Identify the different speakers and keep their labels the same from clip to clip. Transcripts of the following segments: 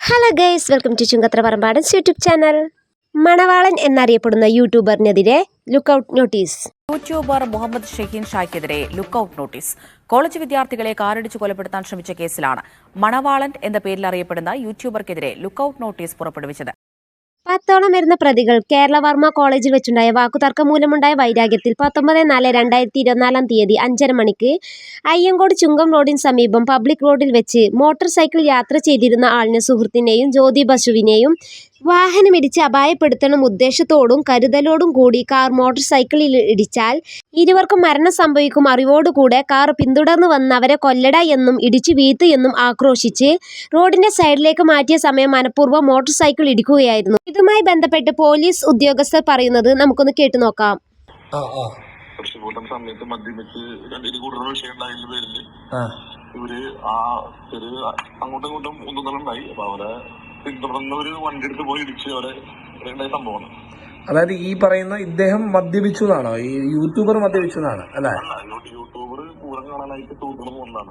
Speaker 1: Hello guys, welcome to Chungathra Parambadans YouTube channel. Manavalan എന്നറിയപ്പെടുന്ന യൂട്യൂബറിനെതിരെ lookout notice.
Speaker 2: YouTuber Muhammad Shaheen ഷായ്ക്കെതിരെ ലുക്കൌട്ട് നോട്ടീസ്. കോളേജ് വിദ്യാർത്ഥികളെ കാറിടിച്ച് കൊലപ്പെടുത്താൻ ശ്രമിച്ച കേസിലാണ് മണവാളൻ എന്ന പേരിൽ അറിയപ്പെടുന്ന യൂട്യൂബർക്കെതിരെ ലുക്കൌട്ട് നോട്ടീസ് പുറപ്പെടുവിച്ചത്.
Speaker 1: 10ഓളം വരുന്ന പ്രതികൾ കേരള വർമ്മ കോളേജിൽ വെച്ചുണ്ടായ വാക്കുതർക്കം മൂലമുണ്ടായ വൈരാഗ്യത്തിൽ 19/4/2024 5:30 മണിക്ക് അയ്യങ്കോട് ചുങ്കം റോഡിന് സമീപം പബ്ലിക് റോഡിൽ വെച്ച് മോട്ടോർ സൈക്കിൾ യാത്ര ചെയ്തിരുന്ന ആളിനെ സുഹൃത്തിനെയും ജ്യോതി ബസുവിനെയും വാഹനമിടിച്ച് അപായപ്പെടുത്തണം ഉദ്ദേശത്തോടും കരുതലോടും കൂടി കാർ മോട്ടോർ സൈക്കിളിൽ ഇടിച്ചാൽ ഇരുവർക്കും മരണം സംഭവിക്കും അറിവോടുകൂടെ കാർ പിന്തുടർന്ന് വന്ന് അവരെ കൊല്ലട എന്നും ഇടിച്ചു വീഴ്ത്ത് എന്നും ആക്രോശിച്ച് റോഡിന്റെ സൈഡിലേക്ക് മാറ്റിയ സമയം മനഃപൂർവ്വം മോട്ടോർ സൈക്കിൾ ഇടിക്കുകയായിരുന്നു. ഇതുമായി ബന്ധപ്പെട്ട് പോലീസ് ഉദ്യോഗസ്ഥർ പറയുന്നത് നമുക്കൊന്ന് കേട്ടു നോക്കാം.
Speaker 3: സമയത്ത് മദ്യപിച്ച് കൂടുതൽ വിഷയം ഉണ്ടായതിന്റെ പേരില് ഇവര് അങ്ങോട്ടും ഇങ്ങോട്ടും ഒന്നുണ്ടായി. അപ്പൊ അവരെ പിന്തുടർന്ന് ഒരു വണ്ടി എടുത്ത് പോയി ഇടിച്ച് അവരെ സംഭവമാണ്.
Speaker 4: അതായത് ഈ പറയുന്ന ഇദ്ദേഹം മദ്യപിച്ചു എന്നാണോ? ഈ യൂട്യൂബർ മദ്യപിച്ചു എന്നാണ് അല്ലെ?
Speaker 3: യൂട്യൂബർ പൂരം കാണാനായിട്ട് സുഹൃത്തുക്കൾ പോകുന്നതാണ്.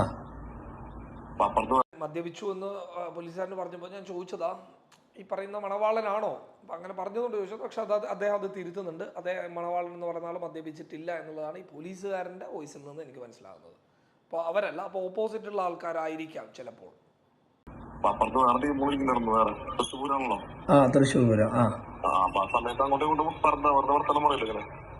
Speaker 5: മദ്യപിച്ചു എന്ന് പോലീസുകാരന് പറഞ്ഞപ്പോൾ ഞാൻ ചോദിച്ചതാ, ഈ പറയുന്ന മണവാളനാണോ? അങ്ങനെ പറഞ്ഞതുകൊണ്ട് ചോദിച്ചത്. പക്ഷെ അദ്ദേഹം അത് തിരുത്തുന്നുണ്ട്. അദ്ദേഹം മണവാളൻ എന്ന് പറഞ്ഞ ആൾ മദ്യപിച്ചിട്ടില്ല എന്നുള്ളതാണ് ഈ പോലീസുകാരൻ്റെ വോയിസിൽ നിന്ന് എനിക്ക് മനസ്സിലാകുന്നത്. അപ്പോൾ അവരല്ല, അപ്പോൾ ഓപ്പോസിറ്റുള്ള ആൾക്കാരായിരിക്കാം ചിലപ്പോൾ.
Speaker 4: തൃശ്ശൂർ
Speaker 3: സമയത്ത് അങ്ങോട്ടും ഇങ്ങോട്ടും വർത്തമാനമുറയില്ല.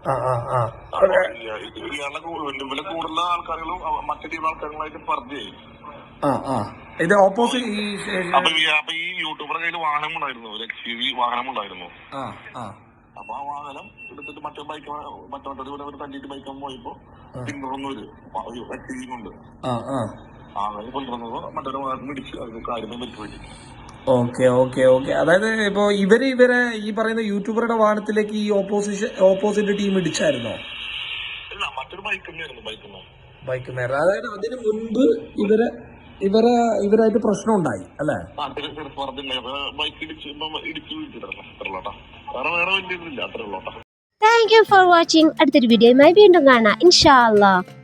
Speaker 3: കൂടുതൽ ആൾക്കാരും മറ്റു ടീം ആൾക്കാരുകളായിട്ട് പറഞ്ഞേ
Speaker 4: ഇത് ഓപ്പോസിറ്റ്.
Speaker 3: അപ്പൊ ഈ യൂട്യൂബറുടെ കയ്യിൽ വാഹനമുണ്ടായിരുന്നു, ഒരു XUV വാഹനമുണ്ടായിരുന്നു. അപ്പൊ ആ വാഹനം എടുത്തിട്ട് മറ്റേ തല്ലിട്ട് ബൈക്കാൻ പോയപ്പോ പിന്തുടർന്നൊരു XUV കൊണ്ട് അങ്ങനെ കൊണ്ടുവന്നപ്പോ മറ്റൊരു വാഹനം ഇടിച്ച് അത് കാര്യങ്ങൾ പറ്റുപറ്റി.
Speaker 4: ഓക്കെ. അതായത് ഇപ്പൊ ഇവരെ ഈ പറയുന്ന യൂട്യൂബറുടെ വാഹനത്തിലേക്ക് ഈ ഓപ്പോസിറ്റ് ടീം ഇടിച്ചായിരുന്നോ?
Speaker 3: ഇല്ല, മറ്റൊരു ബൈക്ക് തന്നെയായിരുന്നു.
Speaker 4: ബൈക്കുമേറെ. അതായത് അതിന് മുൻപ് ഇവരായിട്ട് പ്രശ്നം ഉണ്ടായി അല്ലേ?
Speaker 3: ബൈക്ക് ഇടിച്ചു വീഴ്ച വേറെ വലിയ ഇതില്ല, അത്രേ ഉള്ളൂട്ടാ.
Speaker 1: Thank you for watching. അടുത്തൊരു വീഡിയോയുമായി വീണ്ടും കാണാം ഇൻഷാ അല്ലാഹ്.